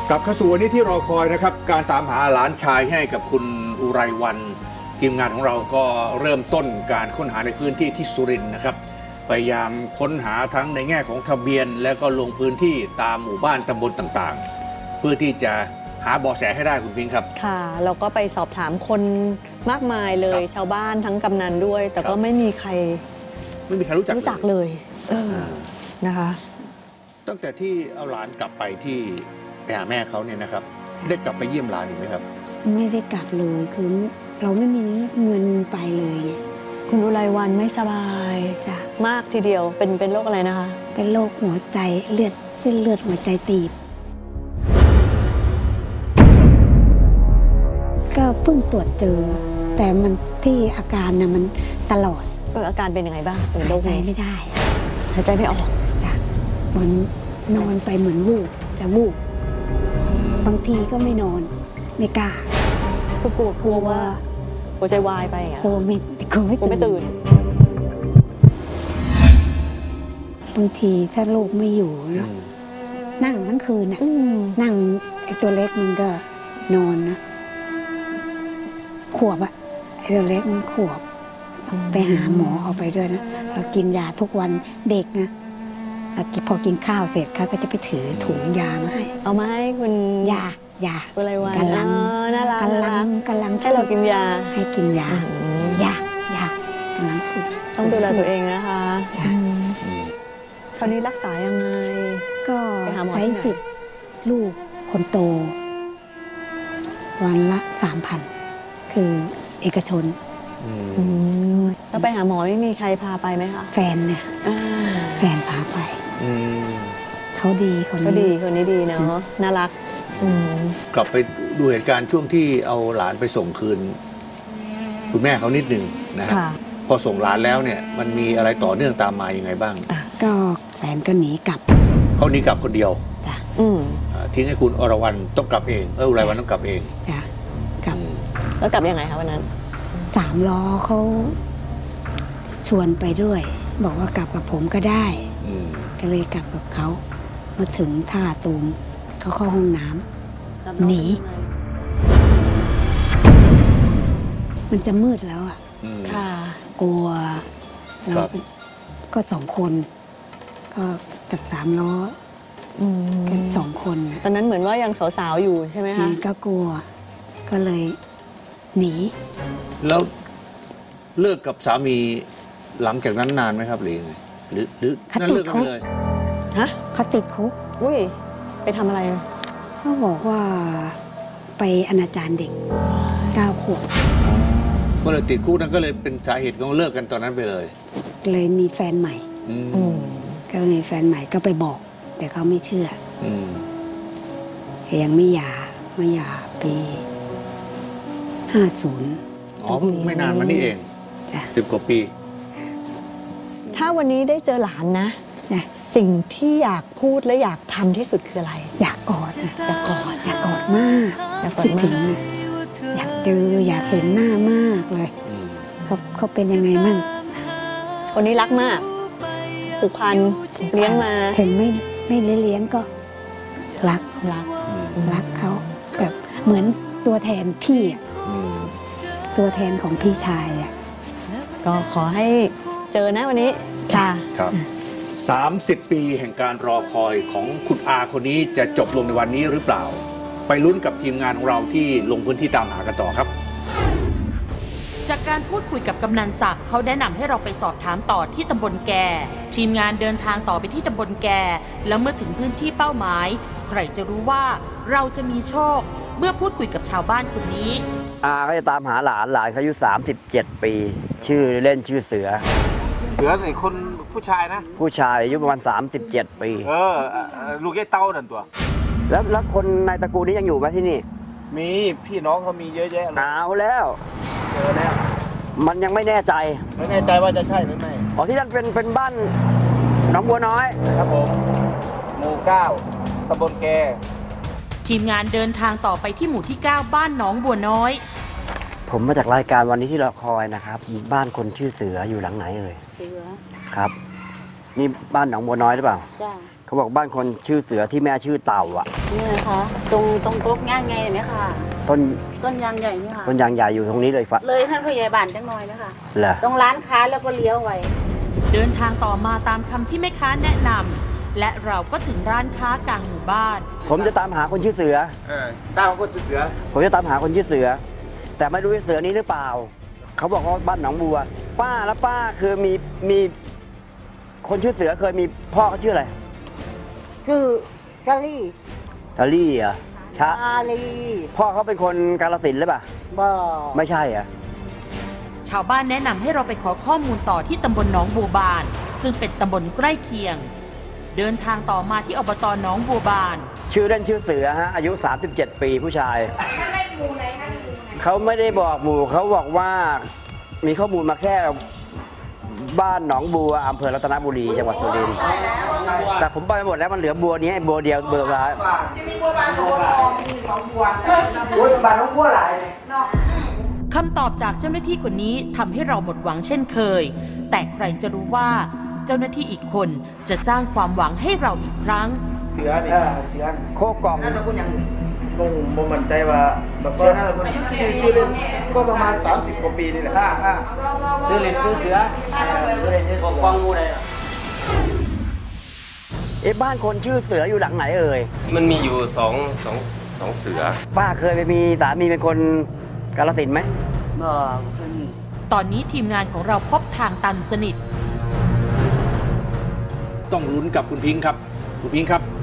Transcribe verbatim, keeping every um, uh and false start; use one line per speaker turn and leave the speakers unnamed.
กลับเข้าสู่วันนี้ที่รอคอยนะครับการตามหาหลานชายให้กับคุณอุไรวรรณทีมงานของเราก็เริ่มต้นการค้นหาในพื้นที่ที่สุรินทร์นะครับพยายามค้นหาทั้งในแง่ของทะเบียนและก็ลงพื้นที่ตามหมู่บ้านตำบลต่างๆเพื่อที่จะหาเบาะแสให้ได้คุณพิงค์ครับ
ค่ะเราก็ไปสอบถามคนมากมายเลยชาวบ้านทั้งกำนันด้วยแต่ก็ไม่มีใคร
ไม่มีใครรู้จัก
รู้จักเลยเออนะคะ
ตั้งแต่ที่เอาหลานกลับไปที่ไปหาแม่เขาเนี่ยนะครับได้กลับไปเยี่ยมหลานอีกไหมครับ
ไม่ได้กลับเลยคือเราไม่มีเงินไปเลย
คุณอุไรวรรณไม่สบาย
จ้ะ
มากทีเดียวเป็นเป็นโรคอะไรนะคะ
เป็นโรคหัวใจเลือดเส้นเลือดหัวใจตีบก็เพิ่งตรวจเจอแต่มันที่อาการน่ะมันตลอด
เอออาการเป็นยังไงบ้าง
หายใจไม่ได้
หายใจไม่ออก
จ้ะเหมือนนอนไปเหมือนวูบจะวูบบางทีก็ไม่นอนไม่กล้า
คือกลัวกลัวว่าหัวใจวายไปอ่ะ
กลัวไม่กลัวไม่
กลัวไม่ตื่น
บางทีถ้าลูกไม่อยู่เนาะนั่งทั้งคืนน่ะนั่งไอ้ตัวเล็กมันก็นอนนะขวบอะไอ้ตัวเล็กมันขวบไปหาหมอเอาไปด้วยนะเรากินยาทุกวันเด็กนะเราพอกินข้าวเสร็จเขาก็จะไปถือถุงยามาให้
เอามาให้คุณ
ยายา
อะไรวะ
กำลัง
น่ารัก
กำลังกำลัง
ให้เรากินยา
ให้กินยายายากำลังพูด
ต้องดูแลตัวเองนะคะใช่คราวนี้รักษายังไง
ก็ใช้สิทธิ์ลูกคนโตวันละสามพันคือเอกชน
แล้วไปหาหมอไม่มีใครพาไปไหมคะ
แฟนเนี่ยแฟนพาไปเขาดีคนนี้
เขาดีคนนี้ดีเนาะน่ารัก
กลับไปดูเหตุการณ์ช่วงที่เอาหลานไปส่งคืนคุณแม่เขานิดหนึ่งนะพอส่งหลานแล้วเนี่ยมันมีอะไรต่อเนื่องตามมายังไงบ้าง
ก็แฟนก็หนีกลับ
เขาหนีกลับคนเดียว
จ้ะ
ทิ้งให้คุณอรวรรณต้องกลับเองเอออุไรวรรณต้องกลับเอง
จ้ะกลับ
แล้วกลับยังไงคะวันนั้น
สามล้อเขาชวนไปด้วยบอกว่ากลับกับผมก็ได้ก็เลยกลับกับเขามาถึงท่าตูมเขาเข้าห้องน้ำหนีมันจะมืดแล้วอ่ะ
ค่ะ
กลัวเราก็สองคนก็กับสามล้อกันสองคน
ตอนนั้นเหมือนว่ายังสาวๆอยู่ใช่ไหมคะ
ก็กลัวก็เลยหนี
แล้วเลิกกับสามีหลังจากนั้นนานไหมครับหรือยังไงหรือหรือนั่นเลิกกันเลย
ฮะ
เขาติดคุก
อุ้ยไปทำอะไร
เขาบอกว่าไปอนาจารเด็กเก้าขวบ
ก็เลยติดคุกนั่นก็เลยเป็นสาเหตุของเลิกกันตอนนั้นไปเลย
เลยมีแฟนใหม่ก็มีแฟนใหม่ก็ไปบอกแต่เขาไม่เชื่อยังไม่หย่าไม่หย่าปีห้าศูนย์
อ๋อเพิ่งไม่นานมานี่เองสิบกว่าปี
ถ้าวันนี้ได้เจอหลานนะสิ่งที่อยากพูดและอยากทำที่สุดคืออะไร
อยากกอดนะ
อยากกอด
อยากกอดมากอยากคิดถึงอยากเจออยากเห็นหน้ามากเลยเขาเขาเป็นยังไงมั่ง
คนนี้รักมากผูกพันเลี้ยงมา
ถึงไม่ไม่เลี้ยงก็รัก
รัก
รักเขาแบบเหมือนตัวแทนพี่ตัวแทนของพี่ชายอ่ะ
ก็ขอให้เจอนะวันนี้จ้า
ครับสามสิบปีแห่งการรอคอยของคุณอาคนนี้จะจบลงในวันนี้หรือเปล่าไปลุ้นกับทีมงานของเราที่ลงพื้นที่ตามหากันต่อครับ
จากการพูดคุยกับกำนันศักดิ์เขาแนะนำให้เราไปสอบถามต่อที่ตำบลแกทีมงานเดินทางต่อไปที่ตำบลแกแล้วเมื่อถึงพื้นที่เป้าหมายใครจะรู้ว่าเราจะมีโชคเมื่อพูดคุยกับชาวบ้านคนนี้
อาเขาจะตามหาหลานหลานเขาอายุสามสิบเจ็ดปีชื่อเล่นชื่อเสือ
เสือไอ้คนผู้ชายนะ
ผู้ชายอายุประมาณสามสิบเจ็ดปี
เออลูกไอ้เต้านั่นตัว
แล้วแล้วคนในตระกูลนี้ยังอยู่ไหมที่นี่
มีพี่น้องเขามีเยอะแยะ
เอาแล้ว
เจอแล้ว
มันยังไม่แน่ใจ
ไม่แน่ใจว่าจะใช่หรือไม่
อ๋อที่นั่นเป็นเป็นบ้านหนองบัวน้อย
ครับผมหมู่เก้าตำบลแก
ทีมงานเดินทางต่อไปที่หมู่ที่เก้าบ้านหนองบัวน้อย
ผมมาจากรายการวันนี้ที่รอคอยนะครับบ้านคนชื่อเสืออยู่หลังไหนเอ่ย
เสือ
ครับนี่บ้านหนองบัวน้อยหรือเปล่า
จ้า
เขาบอกบ้านคนชื่อเสือที่แม่ชื่อเต่าอ่ะ
นี่นะคะตรงตรงกรกย่างไงไหมคะ
ต้น
ต้นยางใหญ่นี่ค่ะ
ต้นยางใหญ่อยู่ตรงนี้เลยฟะ
เลยท่านผู้ใหญ่บ้านจังน้อยนะคะ
เหรอ
ตรงร้านค้าแล้วก็เลี้ยวไว้
เดินทางต่อมาตามคำที่แม่ค้าแนะนำและเราก็ถึงร้านค้ากลางหมู่บ้าน
ผมจะตามหาคนชื่อเสือ
เออตามคนเสือ
ผมจะตามหาคนชื่อเสือ แต่ไม่รู้ว่าเสือนี้หรือเปล่า เขาบอกว่าบ้านหนองบัว ป้าแล้วป้าคือมีมีคนชื่อเสือเคยมีพ่อเขาชื่ออะไร
คือซาลี่
ชาลี่เหรอชา
ซาลี
พ่อเขาเป็นคนกาฬสินธุ์หรือเปล่า
บ่
ไม่ใช่เหรอ่ะ
ชาวบ้านแนะนำให้เราไปขอข้อมูลต่อที่ตำบลหนองบัวบาน ซึ่งเป็นตำบลใกล้เคียง เดินทางต่อมาที่อบตหนองบัวบาน
ชื่อเล่นชื่อเสือฮะอายุ สามสิบเจ็ด ปีผู้ชายเขาไม่ได้บอกหมู่เขาบอกว่ามีข้อมูลมาแค่บ้านหนองบัวอำเภอรัตนบุรีจังหวัดสุรินทร์แต่ผมไปหมดแล้วมันเหลือบัวนี้ไอ้บัวเดียวเบอร์ร้าย
คำตอบจากเจ้าหน้าที่คนนี้ทำให้เราหมดหวังเช่นเคย แต่ใครจะรู้ว่าเจ้าหน้าที่อีกคนจะสร้างความหวังให้เราอีกครั้ง
เสือนี่เสือ
โคกล่อง
บ่งบ่มั่นใจว่าแบบว่าชื่อชื่อเล่นก็ประมาณ สามสิบ กว่าปีนี่แหละ
ซื้อเหรียญซื้อเสือปกป้องงูเลยเอ๊ะบ้านคนชื่อเสืออยู่หลังไหนเอ่ย
มันมีอยู่สองสองสองเสือ
ป้าเคยไปมีสามีเป็นคนกาฬสินธุ์ไหม
บ่คือนี่
ตอนนี้ทีมงานของเราพบทางตันสนิท
ต้องลุ้นกับคุณพิงค์ครับ คุณพิงค์ครับ